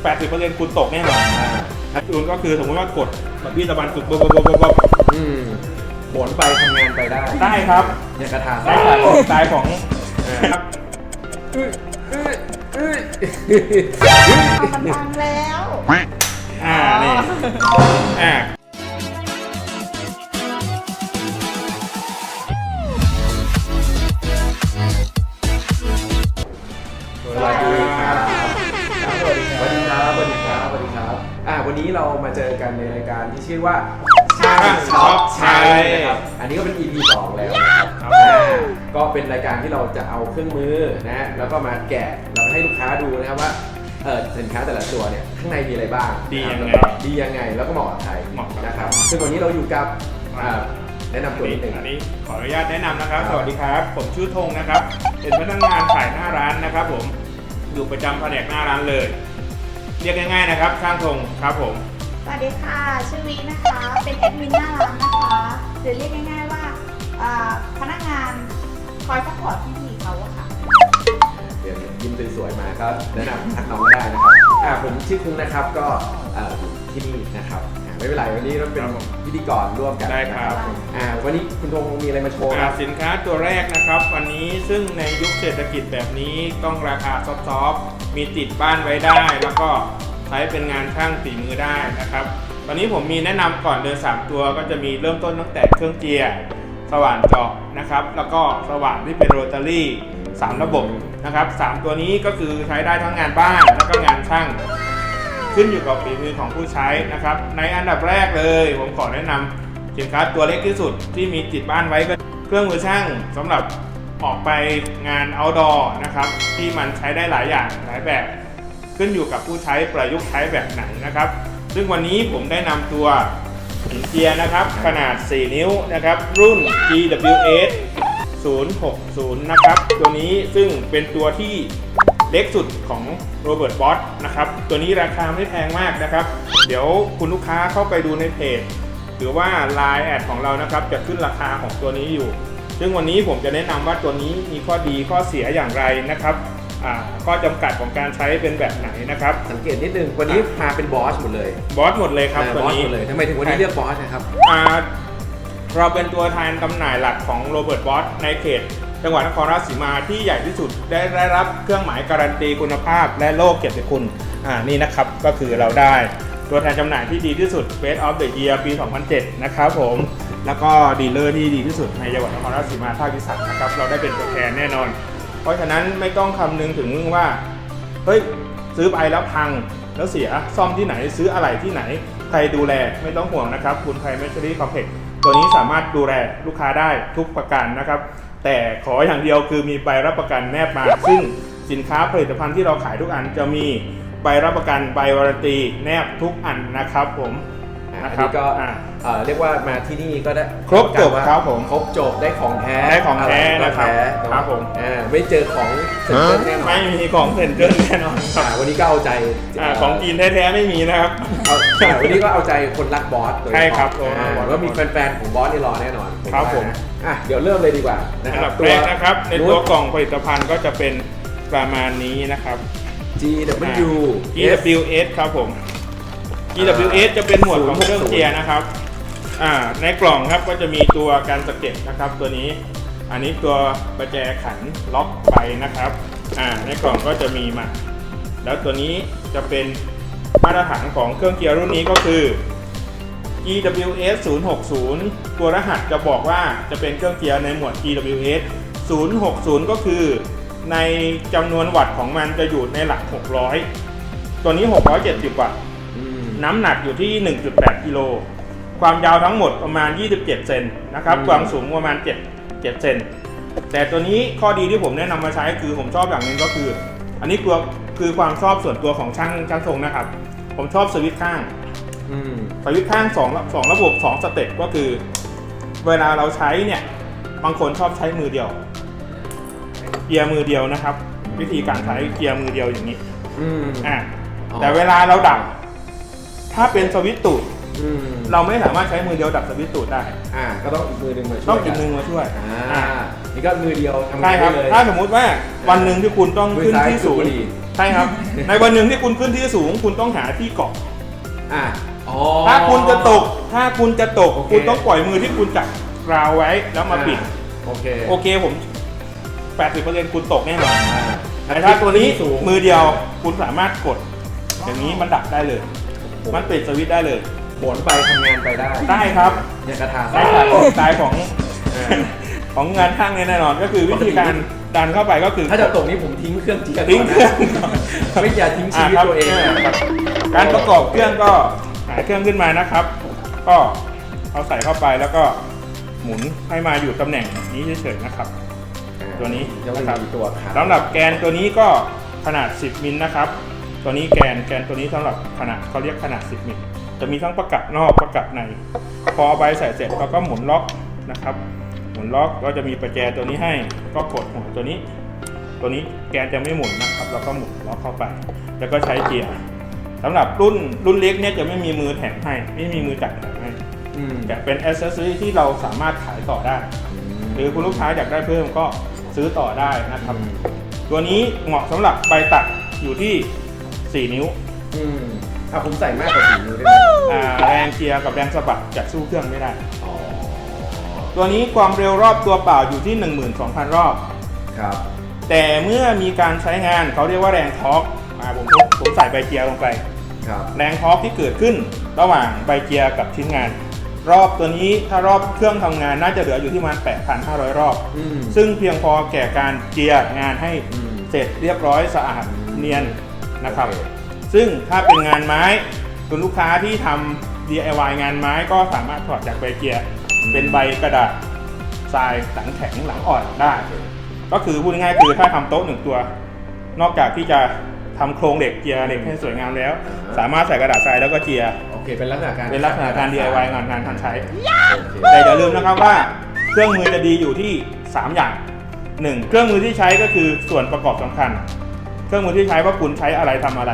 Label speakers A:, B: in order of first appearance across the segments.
A: 80%คุณตกแน่นอนคุณก็คือสมมติว่ากดแบบพี่ตะวันสุดบบ
B: หมุนไปทำงานไปได้
A: ได้ครับ
B: เนี่ยกระถาง
A: ได้สายของครับ
C: มันพังแล้ว
A: นี่
B: สวัสดีครับสวัสดีครับสวัสดีครับสวัสดีครับวันนี้เรามาเจอกันในรายการที่ชื่อว่าช่างช็อปใช้นะครับอันนี้ก็เป็น EP 2 แล้วนะครับก็เป็นรายการที่เราจะเอาเครื่องมือนะแล้วก็มาแกะเราให้ลูกค้าดูนะครับว่าสินค้าแต่ละตัวเนี่ยข้างในมีอะไรบ้าง
A: ดียังไง
B: แล้วก็เหมาะกับใครนะครับซึ่งวันนี้เราอยู่กับแนะนำตัวนิดนึง
A: อันนี้ขออนุญาตแนะนำนะครับสวัสดีครับผมชื่อธงนะครับเป็นพนักงานขายหน้าร้านนะครับผมอยู่ประจำแผนกหน้าร้านเลยเรียกง่ายๆนะครับช่างธงครับผม
C: สวัสดีค่ะชื่อวินะคะเป็นแอดมินหน้าร้านนะคะหรือเรียกง่ายๆว่าพนักงานคอยซัพพอร์ตพี่เขาอะค่ะ
B: เดี๋ยวยิ้มสวยๆมาก็แนะนำทักน้องได้นะครับผมชื่อคุ้งนะครับก็ที่นี่นะครับไม่เป็นไรวันนี้เราเป็นพิธีกรร่วมกัน
A: ได้ครับ
B: วันนี้คุณธงมีอะไรมาโชว์
A: สินค้าตัวแรกนะครับวันนี้ซึ่งในยุคเศรษฐกิจแบบนี้ต้องราคาซอฟต์ๆมีติดบ้านไว้ได้แล้วก็ใช้เป็นงานช่างฝีมือได้นะครับวันนี้ผมมีแนะนำก่อนเดิน3ตัวก็จะมีเริ่มต้นตั้งแต่เครื่องเจียร์สว่านเจาะนะครับแล้วก็สว่านที่เป็นโรตารี่3ระบบนะครับ3ตัวนี้ก็คือใช้ได้ทั้งงานบ้านแล้วก็งานช่างขึ้นอยู่กับฝีมือของผู้ใช้นะครับในอันดับแรกเลยผมขอแนะนำสินค้าตัวเล็กที่สุดที่มีติดบ้านไว้ก็เครื่องมือช่างสำหรับออกไปงาน outdoor นะครับที่มันใช้ได้หลายอย่างหลายแบบขึ้นอยู่กับผู้ใช้ประยุกต์ใช้แบบไหนนะครับซึ่งวันนี้ผมได้นำตัวหินเจียนะครับขนาด4นิ้วนะครับรุ่น GWS 060นะครับตัวนี้ซึ่งเป็นตัวที่เล็กสุดของโรเบิร์ตบอสนะครับตัวนี้ราคาไม่แพงมากนะครับเดี๋ยวคุณลูกค้าเข้าไปดูในเพจหรือว่า Line แอดของเรานะครับจะขึ้นราคาของตัวนี้อยู่ซึ่งวันนี้ผมจะแนะนำว่าตัวนี้มีข้อดีข้อเสียอย่างไรนะครับข้อจำกัดของการใช้เป็นแบบไหนนะครับ
B: สังเกตนิดนึงวันนี้มาเป็นบอสหมดเลย
A: บอสหมดเลยครับตัวนี้
B: เลยทำไมถึงวันนี้เลือกบอสนะครับ
A: เราเป็นตัวแทนจำหน่ายหลักของโรเบิร์ตบอสในเขตจังหวัดนครราชสีมาที่ใหญ่ที่สุดได้รับเครื่องหมายการันตีคุณภาพและโล่เกียรติคุณนี่นะครับก็คือเราได้ตัวแทนจำหน่ายที่ดีที่สุด Best of the Year ปี 2007 นะครับผมแล้วก็ดีลเลอร์ที่ดีที่สุดในจังหวัดนครราชสีมาภาคอีสานนะครับเราได้เป็นตัวแทนแน่นอนเพราะฉะนั้นไม่ต้องคำนึงถึงว่าเฮ้ยซื้อไปแล้วพังแล้วเสียซ่อมที่ไหนซื้ออะไรที่ไหนใครดูแลไม่ต้องห่วงนะครับคุณไทยแมชชีรี่คอมเพล็กซ์ตัวนี้สามารถดูแลลูกค้าได้ทุกประการนะครับแต่ขออย่างเดียวคือมีใบรับประกันแนบมาซึ่งสินค้าผลิตภัณฑ์ที่เราขายทุกอันจะมีใบรับประกันใบวารันตีแนบทุกอันนะครับผม
B: นะครับก็เรียกว่ามาที่นี่ก็ได้
A: ครบจบครับผม
B: ครบจบได้ของแท้
A: นะครับผม
B: ไม่เจอของเซ็นเตอร์แน่นอน
A: ไม่มีของเซ็นเตอร์แน่นอน
B: วันนี้ก็เอาใจ
A: ของจีนแท้ๆไม่มีนะครับ
B: วันนี้ก็เอาใจคนรักบอส
A: ใช่ครับ
B: ว่ามีแฟนๆของบอสนี่รอแน่นอน
A: ครับผม
B: เดี๋ยวเริ่มเลยดีกว่า
A: นะครับตัวแรกนะครับในตัวกล่องผลิตภัณฑ์ก็จะเป็นประมาณนี้นะครับ
B: GWS
A: ครับผม GWS จะเป็นหมวดของเครื่องเจียร์นะครับในกล่องครับก็จะมีตัวการสะเก็ดนะครับตัวนี้อันนี้ตัวประแจขันล็อกไปนะครับในกล่องก็จะมีมาแล้วตัวนี้จะเป็นมาตรฐานของเครื่องเจียร์รุ่นนี้ก็คือ GWS 060ตัวรหัสจะบอกว่าจะเป็นเครื่องเจียร์ในหมวด GWS 060ก็คือในจำนวนวัตต์ของมันจะอยู่ในหลัก600ตัวนี้670วัตต์น้ำหนักอยู่ที่ 1.8 กิโลความยาวทั้งหมดประมาณ27เซนนะครับความสูงประมาณ7เซนแต่ตัวนี้ข้อดีที่ผมแนะนำมาใช้คือผมชอบอย่างนึงก็คืออันนี้คือความชอบส่วนตัวของช่างทรงนะครับผมชอบสวิตช์ข้างสวิตช์ข้าง2ระบบ2สเต็ปก็คือเวลาเราใช้เนี่ยบางคนชอบใช้มือเดียวเกียร์มือเดียวนะครับวิธีการใช้เกียร์มือเดียวอย่างนี้แต่เวลาเราดับถ้าเป็นสวิตช์ตูดเราไม่สามารถใช้มือเดียวดับสวิตช์ตูดได้
B: ก็ต้องอีกมือหนึ่งมาช่วย
A: ต้องอีกมือมาช่วย
B: นี่ก็มือเดียวทำ
A: ใช่
B: งาน
A: ครั
B: ได้
A: บ
B: เลย
A: ถ้าสมมุติว่าวันหนึ่งที่คุณต้องขึ้นที่สูง
B: มือซ้ายคือบุหรี่
A: ใช่ครับ ในวันหนึ่งที่คุณขึ้นที่สูง คุณต้องหาที่เกาะ
B: อ่ะอ๋อ
A: ถ้าคุณจะตก
B: โอเค
A: คุณต้องปล่อยมือที่คุณจับราวไว้แล้วมาปิด
B: โอเค
A: โอเคผม 80%คุณตกแน่นอน
B: อ่า
A: แต่ถ้าตัวนี้
B: สูง
A: มือเดียวคุณสามารถกด อย่างนี้มันดับได้เลย มันปิดสวิตช์ได้เลย
B: หมุนไปทำงานไปได้
A: ได้ครับ
B: เนี่ยกระทา
A: ได้ครับสไตล์ของ ของงานช่างเนี่ยแน่นอน ก็คือวิธีการดันเข้าไปก็คือ
B: ถ้าจะตกนี้ผมทิ้งเครื่องจีกัน
A: ทิ้งเครื่องก่อน
B: ไม่อย่าทิ้งชีวิตตัวเอง
A: ครับการประกอบเครื่องก็หาเครื่องขึ้นมานะครับ ก็เอาใส่เข้าไปแล้วก็หมุนให้มาอยู่ตำแหน่งนี้เฉยๆนะครับ ตัวนี้
B: จะ
A: นะครับ
B: มีตัวขา
A: สำหรับแกนตัวนี้ก็ขนาด 10 มิลนะครับ ตัวนี้แกนตัวนี้สำหรับขนาดเขาเรียกขนาด 10 มิลจะมีทั้งประกับนอกประกับใน พอเอาใบใส่เสร็จเราก็หมุนล็อกนะครับ หมุนล็อกก็จะมีประแจตัวนี้ให้ก็กดหัวตัวนี้แกนจะไม่หมุนนะครับเราก็หมุนล็อกเข้าไป แล้วก็ใช้เกียร์สำหรับรุ่นเล็กเนี่ยจะไม่มีมือแถมให้ไม่มีมือจับแถมให้
B: อืม
A: แต่เป็น accessory ที่เราสามารถขายต่อได้ หรือคุณลูกค้าอยากได้เพิ่มก็ซื้อต่อได้นะครับ ตัวนี้เหมาะสำหรับใบตัดอยู่ที่ 4 นิ้ว
B: อืมผมใส่มากกว่า4 นิ้วได้ไหม
A: แรงเกียร์กับแรงสะบัดจะสู้เครื่องไม่ได้
B: อ๋อ
A: ตัวนี้ความเร็วรอบตัวเปล่าอยู่ที่ 12,000 รอบ
B: ครับ
A: แต่เมื่อมีการใช้งานเขาเรียกว่าแรงทอร์กผมใส่ใบเกียร์ลงไป
B: ครับ
A: แรงทอร์กที่เกิดขึ้นระหว่างใบเกียร์กับชิ้นงาน รอบตัวนี้ถ้ารอบเครื่องทำงานน่าจะเหลืออยู่ที่ประมาณ 8,500 รอบ
B: อืม
A: ซึ่งเพียงพอแก่การเจียร์งานให้
B: อืม
A: เสร็จเรียบร้อยสะอาดเนียนนะครับ
B: โอเค
A: ซึ่งถ้าเป็นงานไม้คุณลูกค้าที่ทำ DIY งานไม้ก็สามารถถอดจากใบเกียร์เป็นใบกระดาษทรายหลังแข็งหลังอ่อนได้ ก็คือพูดง่ายๆคือถ้าทำโต๊ะ1 ตัว นอกจากที่จะทำโครงเหล็กเจียร์เหล็กให้สวยงามแล้ว สามารถใส่กระดาษทรายแล้วก็เจียร์
B: โอเคเป็นลักษณะการ
A: เป็นลักษณะการ DIY งานทันใช้
B: โอเค
A: แต่อย่าลืมนะครับว่าเครื่องมือจะดีอยู่ที่ 3 อย่าง 1. เครื่องมือที่ใช้ก็คือส่วนประกอบสำคัญ เครื่องมือที่ใช้ว่าคุณใช้อะไรทำอะไร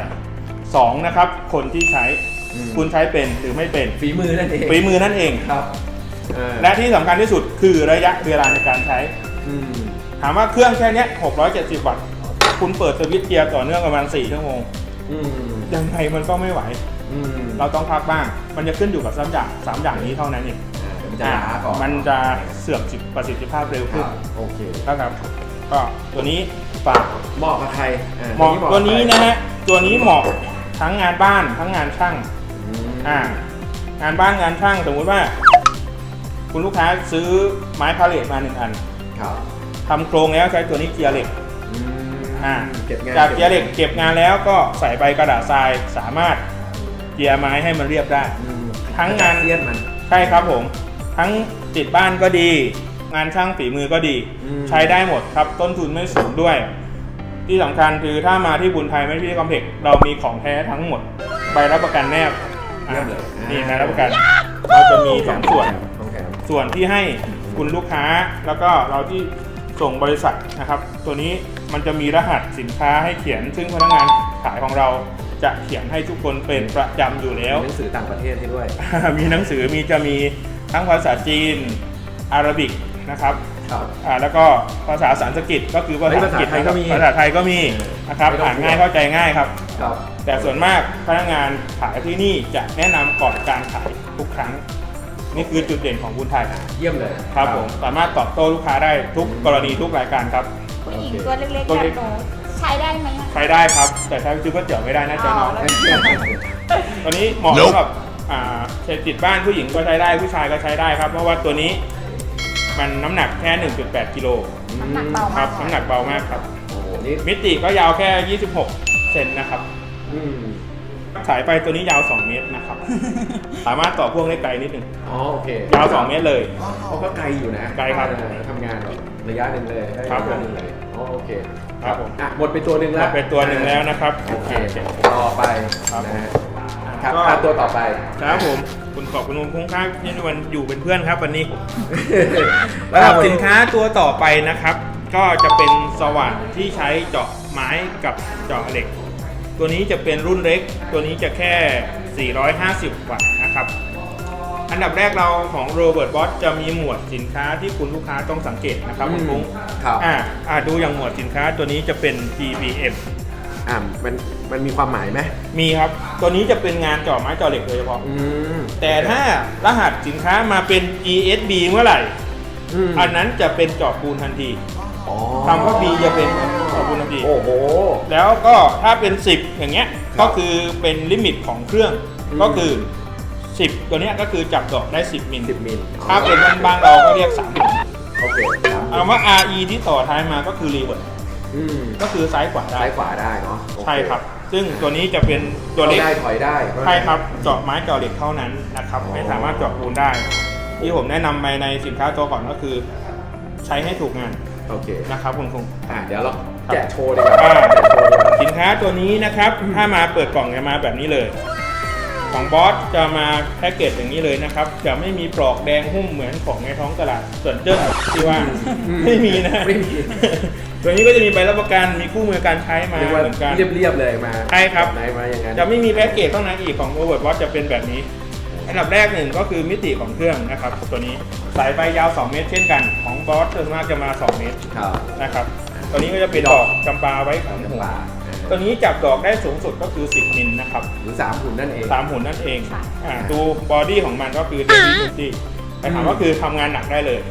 A: 2. นะครับคนที่ใช้
B: อืม
A: คุณใช้เป็นหรือไม่เป็น
B: ฝีมือนั่นเอง
A: ฝีมือนั่นเอง
B: ครับและ
A: และที่สำคัญที่สุดคือระยะเวลาในการใช้
B: อืม
A: ถามว่าเครื่องแค่เนี้ย670 วัตต์คุณเปิดสวิตช์เกียร์ต่อเนื่องประมาณ4 ชั่วโมง
B: อืม
A: ยังไงมันก็ไม่ไหว
B: อืม
A: เราต้องพักบ้าง มันจะขึ้นอยู่กับ3 อย่างนี้เท่านั้นเอง
B: มันจะล้าก่อน
A: มันจะเสื่อมประสิทธิภาพเร็ว
B: ค
A: ขึ้น
B: รับโอเค
A: นะครับก็ตัวนี้ฝาก
B: เหมาะกับใคร
A: เหมาะตัวนี้นะฮะตัวนี้เหมาะทั้งงานบ้านทั้งงานช่าง
B: อืม
A: งานบ้านงานช่างสมมุติว่า คุณลูกค้าซื้อไม้พาเลทมา1 อัน
B: ครับ
A: ทำโครงแล้วใช้ตัวนี้เกียร์เหล็ก
B: อืม
A: เ
B: เก็บงาน
A: จากเกียร์เหล็กเก็บงานแล้วก็ใส่ใบกระดาษทรายสามารถเกียร์ไม้ให้มันเรียบได้
B: อืม
A: ทั้งงาน
B: เลียนมัน
A: ใช่ครับผมทั้งติดบ้านก็ดี งานช่างฝีมือก็ดี
B: อืม
A: ใช้ได้หมดครับต้นทุนไม่สูงด้วย ที่สำคัญคือถ้ามาที่บุญไทยไม่ที่คอมเพล็กซ์เรามีของแท้ทั้งหมดใบรับประกันแนบ
B: เยี่ยมเลย
A: นี่ใบรับประกันเราจะมี2 ส่วน
B: ของแถม
A: ส่วนที่ให้คุณลูกค้าแล้วก็เราที่ส่งบริษัทนะครับ ตัวนี้มันจะมีรหัสสินค้าให้เขียน ซึ่งพนักงานขายของเราจะเขียนให้ทุกคนเป็นประจำอยู่แล้ว
B: หนังสือต่างประเทศให้ด้วย
A: มีหนังสือจะมีทั้งภาษาจีนอาหรับิกนะครับ
B: ครับ
A: แล้วก็ภาษาสันสกฤตก็คือภาษาอังกฤษ
B: ภาษาไทยก็มี
A: ภาษาไทยก็มีนะครับ
B: ไม่ต้อง
A: อ่านง่ายเข้าใจง่ายครับ
B: ครับ
A: แต่ส่วนมากพนักงานขายที่นี่จะแนะนำก่อนการขายทุกครั้ง นี่คือจุดเด่นของบุญไทย
B: เยี่ยมเลย
A: ครับผมสามารถตอบโต้ลูกค้าได้ทุกกรณีทุกรายการครับ
C: ผู้หญิงตัวเล็กๆ
A: ตัว
C: แบ
A: เล็
C: บ
A: ก
C: หนูใช้ได้ไหมอะ
A: ใช้ได้ครับ แต่ถ้าซื้อก๋วยเตี๋ยวไม่ได้น่าจะน้อย
C: แล้ว
A: ตัวนี้เหมาะสำหรับเศรษฐกิจบ้านผู้หญิงก็ใช้ได้ผู้ชายก็ใที่ได้ครับ เพราะว่าตัวนี้มันน้ำหนักแค่ 1.8 กิโล
C: น้ำหนักเบา
A: ครั
C: มา
A: บ
C: ก
A: น้ำหนักเบามากครับ
B: โอ้โหนี่
A: มิติก็ยาวแค่ 26 เซนนะครับ
B: อืม
A: สายไฟตัวนี้ยาว 2 เมตรนะครับ สามารถต่อพ่วงได้ไกลนิดนึง
B: อ๋อโอเค
A: ยาว 2 เมตรเลย
B: เขาก็ไกลอยู่นะ
A: ไกลครับ
B: ทำงานแบบระยะหนึ่งเลยได้
A: ครับ
B: ระยะหนึ่งเลยอ๋อโอเค
A: ครับผม
B: หมดไปตัวหนึ่งแล้ว
A: เป็นตัวหนึ่งแล้วนะครับ
B: โอเคต่อไป
A: ครับ
B: นะฮะครับตัวต่อไป
A: ครับผมคุณขอบคุณคุ้มค่าที่วันอยู่เป็นเพื่อนครับวันนี้ สำหรับสินค้าตัวต่อไปนะครับ ก็จะเป็นสว่านที่ใช้เจาะไม้กับเจาะเหล็ก ตัวนี้จะเป็นรุ่นเล็ก ตัวนี้จะแค่ 450 วัตต์นะครับอันดับแรกเราของโรเบิร์ตบอสจะมีหมวดสินค้าที่คุณลูกค้าต้องสังเกตนะครับคุณฟุ้ง
B: ครับ
A: ดูอย่างหมวดสินค้าตัวนี้จะเป็น GBM
B: มันมีความหมายไหม
A: มีครับตัวนี้จะเป็นงานเจาะไม้เจาะเหล็กโดยเฉพาะแต่ถ้ารหัสสินค้ามาเป็น ESB เมื่อไหร่อันนั้นจะเป็นเจาะปูนทันทีคำว่า B จะเป็นเจาะปูนทันทีโอ้โหแล้วก็ถ้าเป็น10อย่างเงี้ยก็คือเป็นลิมิตของเครื่องก็คือ10ตัวเนี้ยก็คือจับดอกได้10มิลถ้าเป็นบ้านเราก็เรียก3มิลโอเคคำว่า RE ที่ต่อท้ายมาก็คือรีเวิร์สก็คือซ้ายขวาได้เนาะใช่ครับซึ่งตัวนี้จะเป็นตัวเล็ก
B: ได้ถอยได้
A: ใช่ครับเจาะไม้เจาะเหล็กเท่านั้นนะครับไม่สามารถเจาะปูนได้ที่ผมแนะนำไปในสินค้าตัวก่อนก็คือใช้ให้ถูกงานโอเคนะครับคุณครู
B: เดี๋ยวเราแกะโชว์ดีกว่า
A: สินค้าตัวนี้นะครับถ้ามาเปิดกล่องจะมาแบบนี้เลยของบอสจะมาแพ็กเกจอย่างนี้เลยนะครับจะไม่มีปลอกแดงหุ้มเหมือนของในท้องตลาดส่วนเจิ้นที่ว่าไม่มีนะตัวนี้ก็จะมีใบรับประกันมีคู่มือการใช้มาเหมือนกัน
B: เรียบๆเลยมา
A: ใช่ครับ
B: มาอย่างนั้น
A: จะไม่มีแพ็กเกจข้างในอีกของโรเบิร์ตบอสจะเป็นแบบนี้อันดับแรกหนึ่งก็คือมิติของเครื่องนะครับตัวนี้สายไฟยาว2เมตรเช่นกันของบอสส่วนมากจะมา2เมตรนะครับตัวนี้ก็จะเป็นดอกจำปาไว้ของหัวตัวนี้จับดอกได้สูงสุดก็คือ10มิลนะครับ
B: หรือ3หุ่นนั่นเอง
A: 3หุ่นนั่นเองดูบอดี้ของมันก็คือเดลี่ดูตี้แต่ถามว่าคือทำงานหนักได้เลย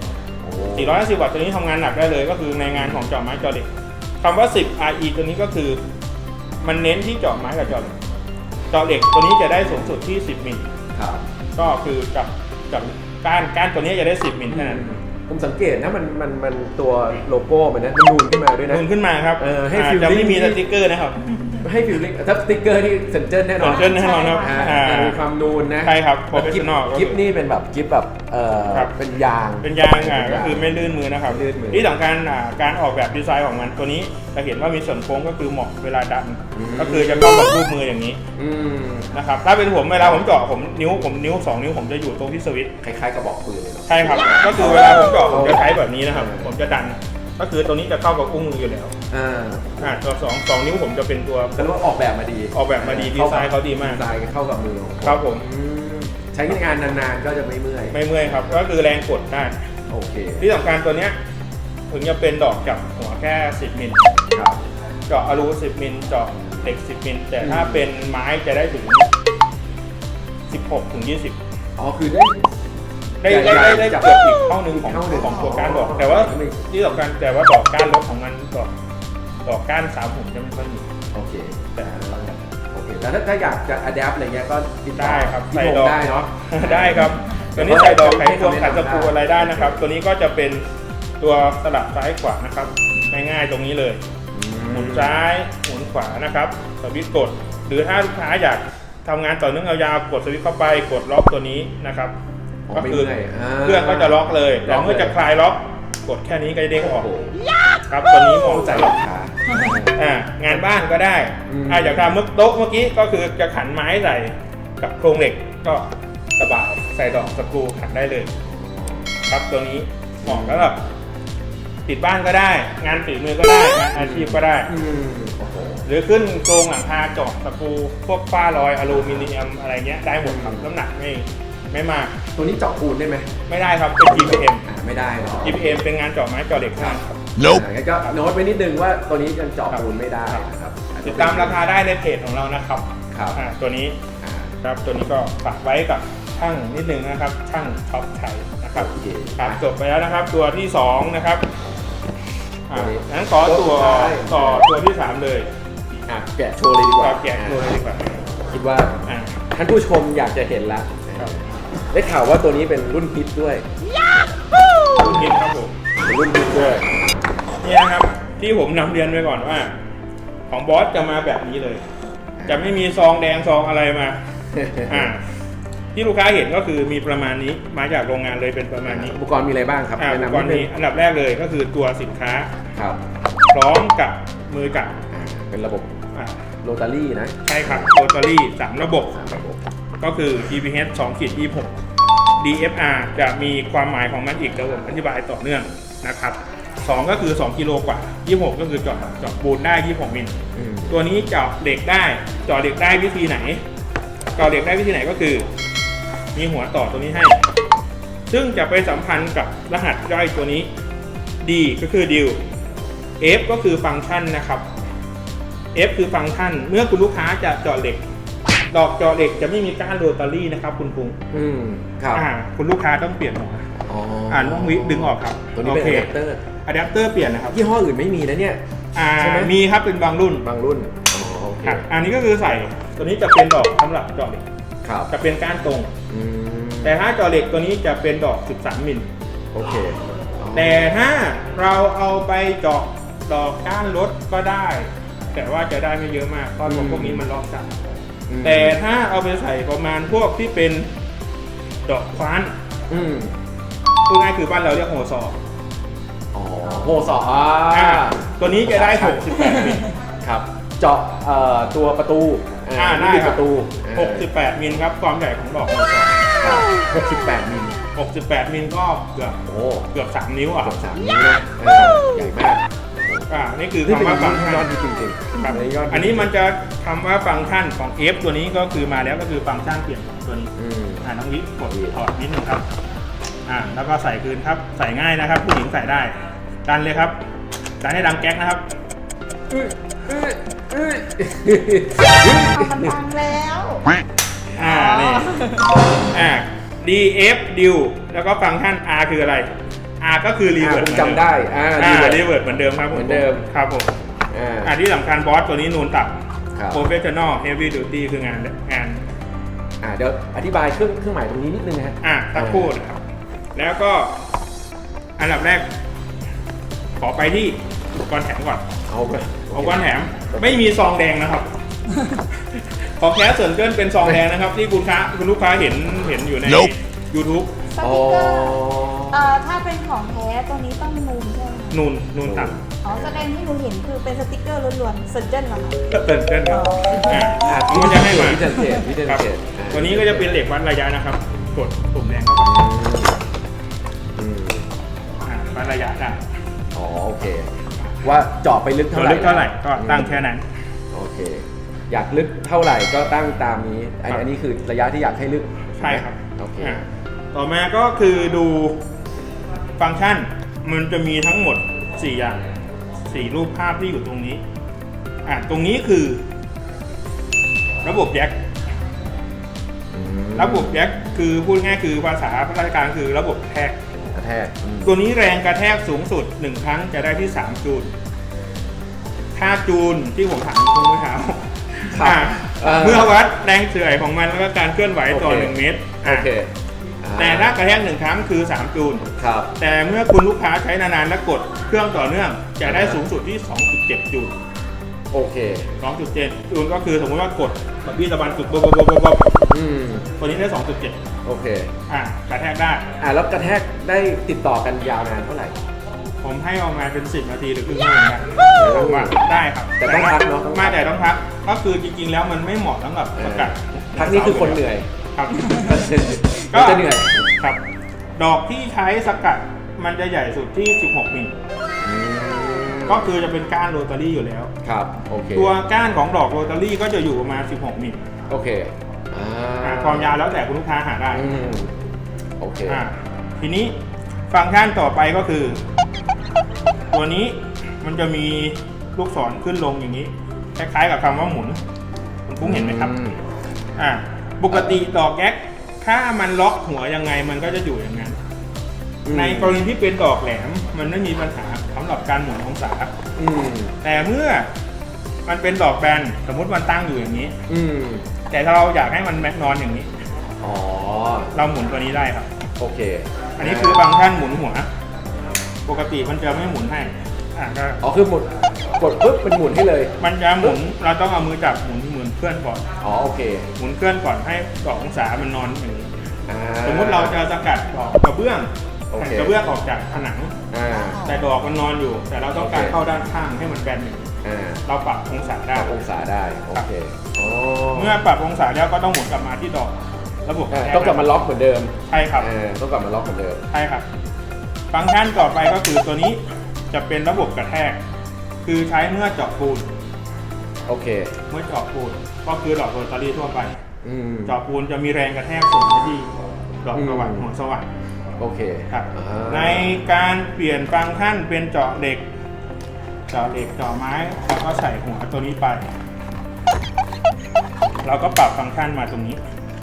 A: 450 วัตต์ตัวนี้ทำงานหนักได้เลยก็คือในงานของเจาะไม้เจาะเหล็กคำว่า10 RE ตัวนี้ก็คือมันเน้นที่เจาะไม้กับเจาะเหล็กตัวนี้จะได้สูงสุดที่10มิลก็คือกับก้านตัวนี้จะได้10มิลเท่านั้น
B: ผมสังเกตนะมันตัวโลโก้มันนะมันนูนขึ้นมาด้วยนะ
A: นูนขึ้นมาครับ
B: ให้ฟิล
A: จะไม่มีสติ๊กเกอร์นะครับ
B: ให้ฟิลลิ่งถ้าสติ๊กเกอร์ที่เซนเจอร์แน่นอน
A: ครับ
B: มีความนูนนะ
A: ใช่ครับโปรเฟชชั่นอล
B: กิฟนี่เป็นแบบกิฟแบบเป็นยาง
A: ก็คือไม่ลื่นมือนะครับที่สำคัญการออกแบบดีไซน์ของมันตัวนี้จะเห็นว่ามีส่วนโค้งก็คือเหมาะเวลาดันก็คือจะเข้ากับรูปมืออย่างนี้นะครับถ้าเป็นผมเวลาผมเจาะนิ้ว2นิ้วผมจะอยู่ตรงที่สวิตช์
B: คล้ายๆกระบอกปืนเลย
A: ใช่ครับก็คือเวลาผมเจาะผมจะใช้แบบนี้นะครับผมจะดันก็คือตัวนี้จะเข้ากับอุ้งมืออยู่แล้วตัว2นิ้วผมจะเป็นตัว
B: แต่ว่าออกแบบมาดี
A: ดีไซน์เขาดีมาก
B: ดีไซน์เข้ากับมือ
A: ครับผม
B: ใช้งานนานๆก็จะไม่เมื่อย
A: ครับก็คือแรงกดได้
B: โอเค
A: ที่สำคัญตัวเนี้ยถึงจะเป็นดอกจับหัวแค่10มิลเจาะอลู10มิลเจาะเหล็ก10มิลแต่ถ้าเป็นไม้จะได้ถึง16 ถึง 20
B: คือ
A: ได้เกือบอีกเท่านึงของตัวก้านดอกแต่ว่าที่สำคัญแต่ว่าดอกก้านรถของมันดอกก้าน3หุ่นจะไม่ค่อยมี
B: โอเคแล้วถ้าอยากจะอัดแอปอะไรเงี้ยก็
A: ได้ครับใส่ดอก
B: ได้เนาะ
A: ได้ครับตัวนี้ใส่ดอกไขควงขัดสกรูอะไรได้นะครับตัวนี้ก็จะเป็นตัวสลับซ้ายขวานะครับง่ายๆตรงนี้เลยหมุนซ้ายหมุนขวานะครับสวิตช์กดหรือถ้าลูกค้าอยากทำงานต่อเนื่องยาวๆกดสวิตช์เข้าไปกดล็อกตัวนี้นะครับก็คือเครื่องก็จะล็อกเลยแต่เมื่อจะคลายล็อกกดแค่นี้ก็จะเด้งออกครับตัวนี้เหมาะกับลูกค้างานบ้านก็ได้อยากทำโต๊ะเมื่อกี้ก็คือจะขันไม้ใส่กับโครงเหล็กก็สบายใส่ดอกสกรูขันได้เลยครับตัวนี้เหมาะแล้วแบบติดบ้านก็ได้งานฝีมือก็ได้งานอาชีพก็ได้หรือขึ้นโครงหลังคาเจาะสกรูพวกฝ้าลอยอลูมิเนียมอะไรเงี้ยได้หมดครับน้ำหนักไม่มาก
B: ตัวนี้เจาะปูนได้ไหม
A: ไม่ได้ครับเป็น GPM
B: ไม่ได้หรอ
A: GPM เป็นงานเจาะไม้เจาะเหล็กครับ
B: งั้นก็โน้ตไว้นิดนึงว่าตัวนี้ยังเจาะปูนไม่ได้ครับ
A: ติดตามราคาได้ในเพจของเรานะครับตัวนี้ครับตัวนี้ก็ฝากไว้กับช่างนิดนึงนะครับช่างท็อปชัยนะครับจบไปแล้วนะครับตัวที่2นะครับงั้นขอตัวที่3เลย
B: แกะโชว์เลยดีกว่าคิดว่าท่านผู้ชมอยากจะเห็นละได้ข่าวว่าตัวนี้เป็นรุ่นฮิตด้วย
A: รุ่นฮิตครับผม
B: รุ่นฮิตด้วย
A: นี่นะครับที่ผมนำเรียนไว้ก่อนว่าของบอสจะมาแบบนี้เลยจะไม่มีซองแดงซองอะไรมาที่ลูกค้าเห็นก็คือมีประมาณนี้มาจากโรงงานเลยเป็นประมาณนี้
B: อุปกรณ์มีอะไรบ้างครับ
A: อุปกรณ์นี้อันดับแรกเลยก็คือตัวสินค้าพร้อมกับมือจับ
B: เป็นระบบโรตารี่นะ
A: ใช่ครับโรตารี่3ระบบก็คือ GPH 2-26 DFR จะมีความหมายของมันอีกเดี๋ยวผมอธิบายต่อเนื่องนะครับ2ก็คือ2กิโลกว่า26ก็คือเจาะปูนได้26มิลตัวนี้เจาะเหล็กได้วิธีไหนเจาะเหล็กได้วิธีไหนก็คือมีหัวต่อตัวนี้ให้ ซึ่งจะไปสัมพันธ์กับรหัสย่อยตัวนี้ D ก็คือ dial F ก็คือฟังก์ชันนะครับ F คือฟังก์ชันเมื่อคุณลูกค้าจะเจาะเหล็ก ดอกเจาะเหล็กจะไม่มีก้านโรตารี่นะครับคุณพุง
B: ครับ
A: คุณลูกค้าต้องเปลี่ยนหัวต้องดึงออกครับ
B: ตัวนี้เป็นอะแดปเตอร์
A: อะแดปเตอร์เปลี่ยนนะครับ
B: ยี่ห้ออื่นไม่มีนะเนี่ยใช่ไหม
A: มีครับเป็นบางรุ่น
B: โอเค
A: อันนี้ก็คือใส่ตัวนี้จะเป็นดอกสำหรับเจาะเหล็ก
B: ครับ
A: จะเป็นก้านตรง แต่ถ้าเจาะเหล็กตัวนี้จะเป็นดอก 13 มิล
B: โอเค
A: แต่ถ้าเราเอาไปเจาะดอกก้านรถก็ได้ แต่ว่าจะได้ไม่เยอะมากเพราะพวกนี้มันล็อกจัดแต่ถ้าเอาไปใส่ประมาณพวกที่เป็นดอกคว้านพูดง่ายคือบ้านเราเรียกโฮซอ
B: โฮซอ
A: ตัวนี้จะได้ 68 มิล
B: ครับ เจาะตัวประตู
A: ได้ค
B: ป
A: รับ
B: ระตู
A: 68 มิลครับความใหญ่ของดอกโฮซอ
B: 68 มิล
A: 68 มิลก็เกือบ 3 นิ้วอ่ะ
B: 3 นิ้วนะใหญ่มาก
A: นี่คือคำว่าฟังก์ชัน
B: ยอดจริงๆ
A: ครับ อันนี้มันจะคำว่าฟังก์ชันของ F ตัวนี้ก็คือมาแล้วก็คือฟังก์ชันเปลี่ยนตัวนี้น้องวิกดถอดนิดนึงครับแล้วก็ใส่คืนครับใส่ง่ายนะครับผู้หญิงใส่ได้ดันเลยครับดันให้ดังแก๊กนะครับ
C: มันดังแล้ว
A: นี่DF dial แล้วก็ฟังก์ชัน R คืออะไร R ก็คือรีเวิร์
B: ผมจำได้
A: รีเวิร์ดเหมือนเดิมครับ
B: เหมือนเดิม
A: ครับผมที่สำคัญบอสตัวนี้นูนต่ำ Professional Heavy Duty คืองาน
B: เดี๋ยวอธิบายเครื่องหมายตรงนี้นิดนึงนะฮะ
A: สักครู่นะครับแล้วก็อันดับแรกขอไปที่อุปกรณ์แถมก่อนอุปกรณ์แถมไม่มีซองแดงนะครับ ขอแค่ส่วนเกินเป็นซองแดงนะครับที่คุณลูกค้าเห็นอยู่ใน YouTube
C: สติ๊กเกอร์ถ้าเป็นของแท้ตัวนี้ต้องนูนใช่ไหม
A: นูนต่
C: ำแสดงที่หนูเห็นคือเป็นสติ๊กเกอร์ล้วนๆเซนเจนเหรอคะ
A: เซนเจนครับมันจะให้มา
B: วิเทนเทจ
A: ตัวนี้ก็จะเป็นเหล็กวัดระยะนะครับกดปุ่มแดงเข้าไปวัดระยะได้
B: โอเคว่าเจาะไปลึกเท่าไหร่
A: ก็ตั้งแค่นั้น
B: โอเคอยากลึกเท่าไหร่ก็ตั้งตามนี้อันนี้คือระยะที่อยากให้ลึก
A: ใช่ครับ
B: โอเค
A: ต่อมาก็คือดูฟังก์ชันมันจะมีทั้งหมด4อย่าง4รูปภาพที่อยู่ตรงนี้ตรงนี้คือระบบแจ็คคือพูดง่ายคือภาษาราชการคือระบบกระแทกตัวนี้แรงกระแทกสูงสุด1ครั้งจะได้ที่3จูลค่าจูลที่ผมถามคุณผู้ชมเมื่อวัดแรงเฉื่อยของมันแล้วก็การเคลื่อนไหวต่อ1เมตรแต่ถ้ากระแทก1ครั้งคือ3จูลแต่เมื่อคุณลูกค้าใช้นานๆและกดเครื่องต่อเนื่องจะได้สูงสุดที่ 2.7 จูล
B: โอเค
A: 2.7 จูลก็คือสมมติว่ากดแบบพี่ตะบันจุดตัวนี้ได้ 2.7
B: โอเค
A: กระแทกได้
B: แล้วกระแทกได้ติดต่อกันยาวนานเท่าไหร่
A: ผมให้ออกมาเป็น10 นาทีหรือครึ่งชั่วโมงได้ครับ
B: แต่ต้องพักเนาะ
A: ไม่แต่ต้องพักก็คือจริงๆแล้วมันไม่เหมาะสำหรับสกัด
B: พักนี่คือคนเหนื่อย
A: ครับ
B: ก็จะเหนื่อย
A: ครับดอกที่ใช้สกัดมันจะใหญ่สุดที่16 มิลก็คือจะเป็นก้านโรตารี่อยู่แล้ว
B: ครับโอเค
A: ตัวก้านของดอกโรตารี่ก็จะอยู่ประมาณ16 มิล
B: โอเค
A: ความยาวแล้วแต่คุณลูกค้าหาได้
B: โอเค
A: ทีนี้ฟังก์ชันต่อไปก็คือตัวนี้มันจะมีลูกศรขึ้นลงอย่างนี้คล้ายๆกับคำว่าหมุนคุณพุ้งเห็นไหมครับปกติดอกแก๊กถ้ามันล็อกหัวยังไงมันก็จะอยู่อย่างนั้นในกรณีที่เป็นดอกแหลมมันไม่มีปัญหาสำหรับการหมุนองศาแต่เมื่อมันเป็นดอกแบนสมมติมันตั้งอยู่อย่างนี้แต่ถ้าเราอยากให้มันแม็กนอนอย่างนี้เราหมุนตัวนี้ได้ครับ
B: โอเค
A: อันนี้คือฟังก์ชันหมุนหัวปกติมันจะไม่หมุนให้
B: คือหมุนกดปุ๊บมันหมุนให้เลย
A: มันจะหมุนเราต้องเอามือจับหมุนเคลื่อนก่อน
B: โอเค
A: หมุนเคลื่อนก่อนให้ดอกองศามันนอนอย่างนี้สมมติเราจะสกัดดอกกระเบื้องออกจากผนังแต่ดอกมันนอนอยู่แต่เราต้องการเข้าด้านข้างให้มันแบนอย่างนี้เราปรับองศาได้
B: โอเค
A: เมื่อปรับองศาแล้วก็ต้องหมุนกลับมาที่ดอกระบบ
B: ต้องกลับมาล็อกเหมือนเดิม
A: ใช่ครับ
B: ต้องกลับมาล็อกเหมือนเดิม
A: ใช่ครับฟังก์ชันต่อไปก็คือตัวนี้จะเป็นระบบกระแทกคือใช้เมื่อเจาะปูน
B: โอเค
A: เมื่อเจาะปูนก็คือดอกโรตารี่ทั่วไปเจาะปูนจะมีแรงกระแทกสูงที่ดอกสว่างหัวสว่าง
B: โอเค
A: ครับ
B: อ่า
A: ในการเปลี่ยนฟังก์ชันเป็นเจาะเหล็กเจาะไม้เราก็ใส่หัวตัวนี้ไป เราก็ปรับฟังก์ชันมาตรงนี้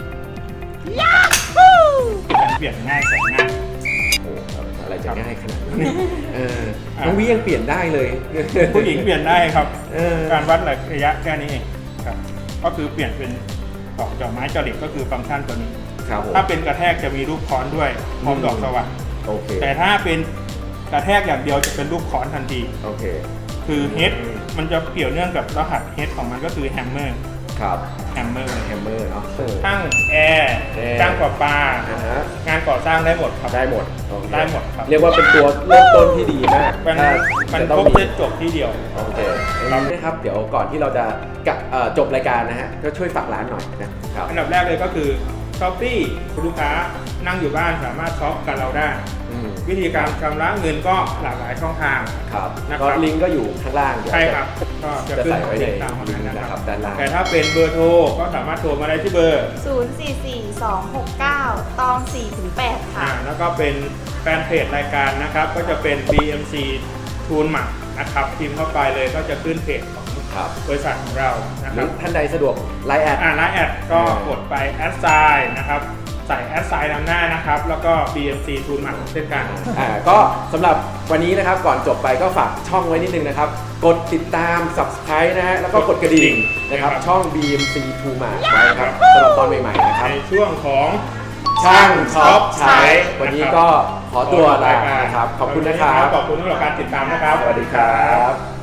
A: การเปลี่ยนง่ายแสนง่าย
B: โอ้อะไรจะง่ายขนาดนี้น้องวิยังเปลี่ยนได้เลย
A: ผู้หญิงเปลี่ยนได้ครับ
B: เออ
A: การวัดระยะแค่นี้เองครับ ก็คือเปลี่ยนเป็นดอกเจาะไม้เจาะเหล็กก็คือฟังก์ชันตัวนี้
B: ครับผม
A: ถ้าเป็นกระแทกจะมีรูปค้อนด้วยพร้อมดอกสว่าง
B: โอเค
A: แต่ถ้าเป็นกระแทกอย่างเดียวจะเป็นรูปค้อนทันที
B: โอเค
A: คือเฮดมันจะเกี่ยวเนื่องกับรหัสเฮดของมันก็คือแฮมเมอร์
B: ครับ
A: แฮมเมอร์
B: แฮมเมอร์เนาะ
A: ช่างแอร์
B: แอร์
A: ช่างประปา
B: ฮะ
A: งานก่อสร้างได้หมดครับ
B: ได้หมดโอเค
A: ได้หมดครับ
B: เรียกว่าเป็นตัวเริ่มต้นที่ดีมาก
A: มัน
B: ถ้า
A: มัน
B: จะ
A: ค
B: ต้
A: ร
B: อง
A: บ
B: มี
A: เซตจบที่เดียว
B: โอเคนะครับเดี๋ยวก่อนที่เราจะจบรายการนะฮะก็ช่วยฝากร้านหน่อยนะครับ
A: อันดับแรกเลยก็คือช้อปปี้คุณลูกค้านั่งอยู่บ้านสามารถช็อปกับเราได้
B: อืม
A: วิธีการชำระเงินก็หลากหลายช่องทาง
B: ครับ
A: นะครับ
B: ก็ลิงก์ก็อยู่ข้างล่างเดี๋ยว
A: ใช่ครับ ก็จะ
B: จะ
A: ขึ้น
B: ใส่ไว้ใน
A: ตามของ
B: ลิง
A: นั้น
B: ก์
A: นะ
B: นะ
A: ค
B: ค
A: รั
B: รับ บด้านล่าง
A: แต่ถ้าเป็นเบอร์โทรก็สามารถโทรมาได้ที่เบอร์
C: 044269ตอง4-8 ค่ะ
A: แล้วก็เป็นแฟนเพจรายการนะครับ ก็จะเป็น BMC ทูนหมักนะครับพิมพ์เข้าไปเลยก็จะขึ้นเพจของ
B: ครับ
A: บริษัทของเรานะ
B: ห
A: ค
B: รื
A: รั
B: อบ ท่านใดสะดวกไลน์แอด
A: ไลน์แอดก็กดไปแอดไซน์นะครับใส่แอดไซน์นำหน้านะครับ แล้วก็ BMC ทูนหมักเช่นกัน
B: ก็สำหรับวันนี้นะครับก่อนจบไปก็ฝากช่องไว้นิดนึงนะครับ กดติดตาม Subscribe นะฮะแล้วก็กดกระดิ่งนะครับ
A: ครับ
B: ช่อง BMC True Mart ไว้นะครับสำหรับตอนใหม่ๆนะครับ
A: ในช่วงของ
B: ช่างช็อปใช้ วันนี้ก็ขอตัวลานะครับ ขอบคุณนะครับ
A: ขอบคุณสำหรับการติดตามนะครับ
B: สวัสดีครับ